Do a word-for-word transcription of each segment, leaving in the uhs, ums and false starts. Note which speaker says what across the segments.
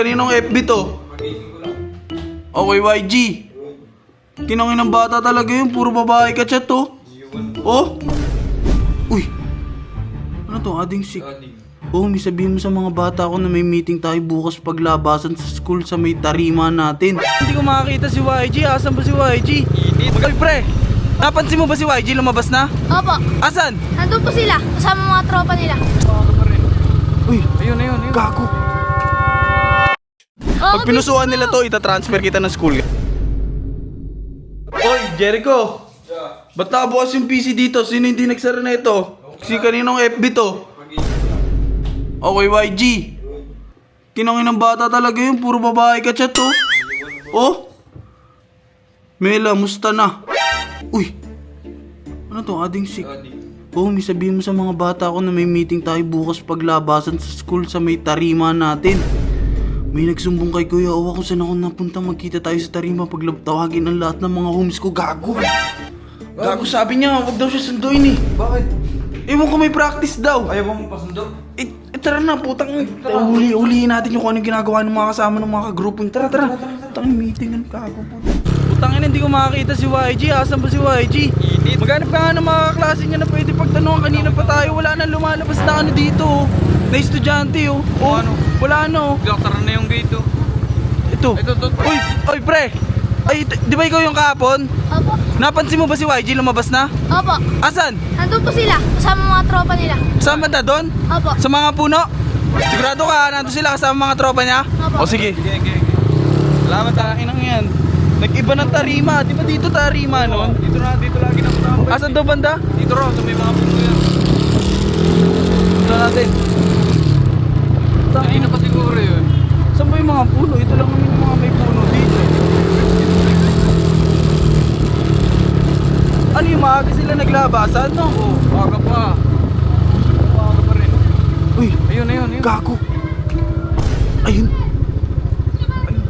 Speaker 1: Kaninong F B to? Okay, Y G. Kinangin ng bata talaga yun. Puro babae ka chat to. Oh? Uy. Ano to? Ading sick. Oh, may sabihin mo sa mga bata ko na may meeting tayo bukas paglabasan sa school sa may tarima natin. Hindi ko makakita si Y G. Asan ba si Y G? Uy, pre. Napansin mo ba si Y G? Lumabas na?
Speaker 2: Opo.
Speaker 1: Asan?
Speaker 2: Nandun po sila. Kasama mga tropa nila.
Speaker 1: Uy, ayun, ayun, ayun. Gago. Pag pinusuan nila to, itatransfer kita ng school. Oy, Jericho! Ba't nakabukas yung P C dito? Sino hindi nagsara na ito? Si kaninong F B to? Okay, Y G. Kinangin ng bata talaga yun. Puro babae ka chat to. Oh? Mela, musta na? Uy! Ano to? Ading sick. Oh, may sabihin mo sa mga bata ko na may meeting tayo bukas paglabasan sa school sa may tarima natin. May nagsumbong kay Kuya Owa kung saan ako napunta. Magkita tayo sa tarima pag tawagin ang lahat ng mga homies ko. Gago! Gago, sabi niya, wag daw siya sunduin eh.
Speaker 3: Bakit?
Speaker 1: Ewan ko, may practice daw.
Speaker 3: Ayaw mo pasundo?
Speaker 1: Eh, eh tara na, putang. Uli, ulihin natin yung kung anong ginagawa ng mga kasama ng mga kagrupo. Tara, tara. Putang, meeting ang gago, putang. Putang ina, hindi ko makakita si Y G. Asan ba si Y G? Maghanap ka nga ng mga kaklase niya na pwede pagtanungan. Kanina pa tayo, wala na lumalabas na ano dito. Na estudyante oh. Oh,
Speaker 3: ano?
Speaker 1: Wala ano.
Speaker 3: Tara na yung gate oh.
Speaker 1: Ito.
Speaker 3: Ito, ito, ito.
Speaker 1: Uy, uy, pre. Ay, ito- di ba ikaw yung kahapon?
Speaker 2: Opo.
Speaker 1: Napansin mo ba si Y G lumabas na?
Speaker 2: Opo.
Speaker 1: Asan?
Speaker 2: Nandun po sila. Kasama mga tropa nila.
Speaker 1: Saan ba doon?
Speaker 2: Opo.
Speaker 1: Sa mga puno? Sigurado ka, nandun sila kasama mga tropa niya? O
Speaker 2: Opo.
Speaker 1: sige.
Speaker 3: Sige, sige, sige.
Speaker 1: Salamat ha, inang yan. Nag-iba ng tarima. Di ba dito tarima nun?
Speaker 3: Dito na, dito lagi na matambay.
Speaker 1: Asan daw banda?
Speaker 3: Dito raw, sa may mga puno yan.
Speaker 1: Ito natin.
Speaker 3: Hindi na pa siguro yun.
Speaker 1: Saan ba yung mga puno? Ito lang naman yung mga may puno dito. Ano yung maaga sila naglabasan, no?
Speaker 3: Oo, baka pa. Baka pa rin.
Speaker 1: Uy,
Speaker 3: Ayun, ayun, ayun.
Speaker 1: gago. Ayun. Ayun.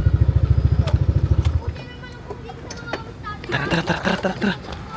Speaker 1: Tara, tara, tara, tara, tara, tara.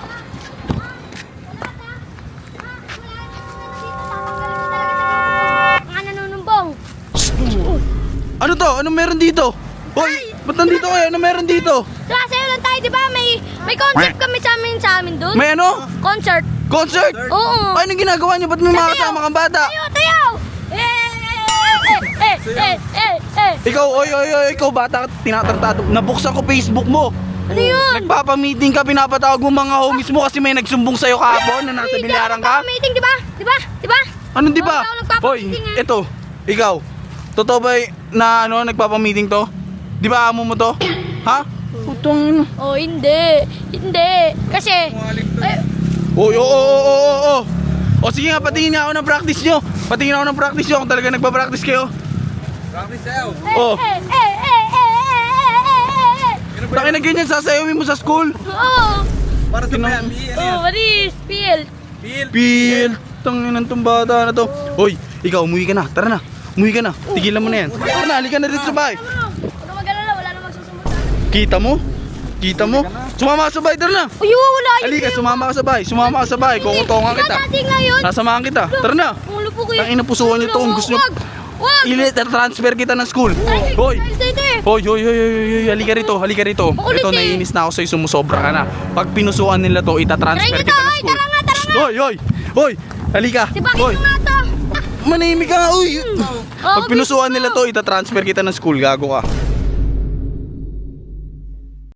Speaker 2: Mga nanunumbong.
Speaker 1: Ano to? Ano meron dito? Hoy, ba't nandito kayo? Ano meron dito?
Speaker 2: Klase lang tayo, di ba? May may concert kami sa amin sa amin dun.
Speaker 1: May ano?
Speaker 2: Concert.
Speaker 1: Concert?
Speaker 2: Oo.
Speaker 1: Ay, anong ginagawa niyo? Ba't may mga
Speaker 2: Tayo.
Speaker 1: kasama kang bata?
Speaker 2: Tayo, tayo! Eh, eh, eh, eh, eh, eh.
Speaker 1: Ikaw, oy, oy, oy, ikaw bata, tinatartado. Nabuksan ko Facebook mo.
Speaker 2: Ano yun?
Speaker 1: Nagpapa-meeting ka, pinapatawag mo mga homies mo kasi may nagsumbong sa'yo kahapon na nasa bilyaran ka.
Speaker 2: Meeting, di ba? Di ba? Di ba?
Speaker 1: Ano di ba?
Speaker 2: Oo, ako
Speaker 1: Hoy,
Speaker 2: nagpapa-meeting eh.
Speaker 1: ito, ikaw. Totoo ba y- na ano, nagpapa-meeting to? Di ba amo mo to? Ha? Putong.
Speaker 2: Oh, hindi. Hindi. Kasi, eh,
Speaker 1: Oy, oo, oo, oo, oo, oo. O sige nga, patingin nga ako ng practice nyo. Patingin ako ng practice nyo kung talaga nagpa-practice kayo.
Speaker 3: Practice sa'yo.
Speaker 2: eh,
Speaker 1: Oh.
Speaker 2: eh, eh, eh, eh, eh, eh, eh, eh.
Speaker 1: Takin na ganyan, sasayawin mo sa school.
Speaker 2: Oo.
Speaker 3: Para sa
Speaker 1: Tinang-
Speaker 3: P M B, ano
Speaker 2: Oh,
Speaker 3: yan?
Speaker 2: what is? Feel.
Speaker 3: Pil.
Speaker 1: Pil, tangin ng tumbata na to. Hoy, ikaw, umuwi ka na. Tara na. Umuwi ka na. Tigilan mo na yan. Tara na, halika na dito sa bahay.
Speaker 2: Bro, huwag ka mag-alala. Wala namang susumbong sa atin.
Speaker 1: Kita mo? Kita mo? Sumama ka sa bahay, tara na.
Speaker 2: Uy, wala yun.
Speaker 1: Halika, sumama ka sa bahay. Sumama ka sa bahay. Kukutongan kita.
Speaker 2: Dati ngayon.
Speaker 1: Sasamahan kita. Tara na.
Speaker 2: Ulo po kayo.
Speaker 1: Tangina, pusuan niyo to kung gusto niyo.
Speaker 2: Wag. Wag.
Speaker 1: I-transfer kita ng school. Hoy. Hoy, hoy, hoy, hoy, hoy, halika rito, halika rito.
Speaker 2: Makulit
Speaker 1: Ito,
Speaker 2: eh.
Speaker 1: naiinis na ako sa'yo, sumusobra ka na. Pag pinusuan nila to, itatransfer
Speaker 2: Tara
Speaker 1: kita
Speaker 2: nito,
Speaker 1: ng
Speaker 2: oy,
Speaker 1: school.
Speaker 2: tara nga, tara nga.
Speaker 1: Hoy, hoy, hoy, halika.
Speaker 2: Si bakit
Speaker 1: Hoy,
Speaker 2: mo nga to?
Speaker 1: manahimik ka nga, uy.
Speaker 2: Oh,
Speaker 1: Pag pinusuan nila to, itatransfer kita ng school, gago ka.